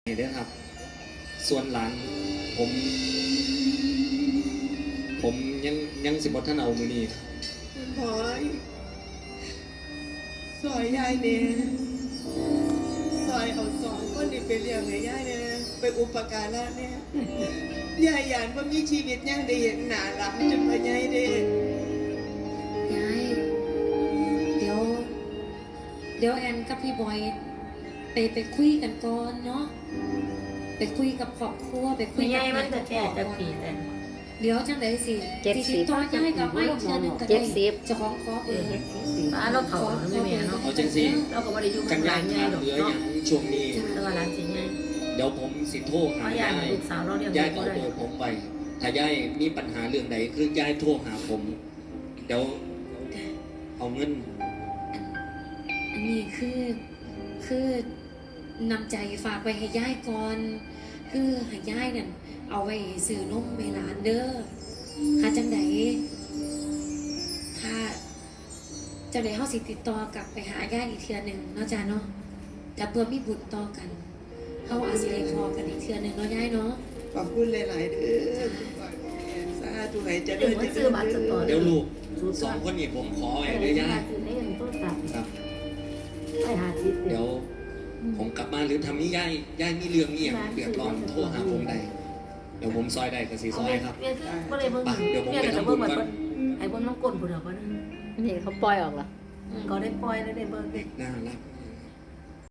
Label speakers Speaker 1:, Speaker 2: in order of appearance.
Speaker 1: นี่เด้อครับส่วนหลานผมผมยังสิบท่านเอามือนี่
Speaker 2: คุณพลอยซอยยายเนี่ยซอยเอาสองคนนี่ไปเลี้ยงให้ยายเนี่ยไปอุปการะเนี่ยยายหยานว่ามีชีวิตยังได้เห็นหนาหลับจนมายายเด้
Speaker 3: ยายเดี๋ยวแอนกับพี่บอยไปคุยกันก่อนเนาะไปคุยกับครอบครัวไปคุย
Speaker 4: ไม่
Speaker 3: กั
Speaker 4: ใช่มันจะแก่จะปีแต่
Speaker 3: เดี๋ยวจังไดสิ
Speaker 5: 70
Speaker 3: ติดต่อยายกับไม่เชื่อหนึ่งก็ได้เจะของขอเปิด
Speaker 4: ป้าเราเผาไม่แม่เนาะ
Speaker 1: เอาจังสิ
Speaker 4: เราก็ไม่ได้อยู่
Speaker 1: กั
Speaker 4: กัน บ
Speaker 1: ยา
Speaker 4: ร้าย นใหญ่
Speaker 1: ขาด
Speaker 4: หรอก
Speaker 1: เหลืออ
Speaker 4: เนาะ
Speaker 1: ย่างช่วงนี้
Speaker 4: แต่ว่าร้านจริงไง
Speaker 1: เดี๋ยวผมสิโทรหา
Speaker 4: เพราะยาย
Speaker 1: ยาย
Speaker 4: ลูกสาวเราเรียก
Speaker 1: ยาย
Speaker 4: ก็
Speaker 1: เอา
Speaker 4: ได้
Speaker 1: เบอร์ผมไปถ้ายายมีปัญหาเรื่องใดคือยายโทรหาผมเดี๋ยวเอาเงิน
Speaker 3: อันนี้คือนำใจฝากไปให้ยายก่อนคือให้ยายนั่นเอาไว้ซื้อนมให้หลานเด้อหาจังไดถ้าจังไดเฮาสิติดต่อกลับไปหายายอีกเทื่อหนึงเนาะจ้าเนาะแต่เพื่อมีบุญต่อกันเฮาอาจสิได้พอกันอีกเทื่อหนึงเนาะยายเนาะ
Speaker 2: ขอบคุณหลายๆเด้อคุณพลอยสาธุให้เจ
Speaker 4: เดี๋
Speaker 2: ริ
Speaker 4: ยว
Speaker 2: ญ
Speaker 4: มันซื้อบัตรสปอร์ต
Speaker 1: เดี๋ยวลูกสองคนนี้ผมขอไว้เด้อยาย
Speaker 4: ซื้อได้เงินต้นตัด
Speaker 1: ครับ
Speaker 4: ไปหาทิศ
Speaker 1: เดี๋ยวผมกลับมาหรือทำนี่ยายมีเรื่องนี่อย่างเดือดร้อนโทรหาผมได้เดี๋ยวผมซอยได้ก็สีซอยครับ
Speaker 4: เมียคือก็เลยเบิ่ง
Speaker 1: เดี๋ยวผม
Speaker 4: เมีย
Speaker 1: ไป
Speaker 4: ก็จะ
Speaker 1: ทำบุ
Speaker 4: เบิ่ง
Speaker 1: ญ
Speaker 4: แบบ
Speaker 1: ก่อน
Speaker 4: ไอ้เบิ่งน้องกลนผู้เดียวก็นั่น
Speaker 5: นี่เขาปล่อยออกเหรอ
Speaker 4: ก็ได้ปล่อยแล้วได้เบิ่ง
Speaker 1: เด็กน่ารัก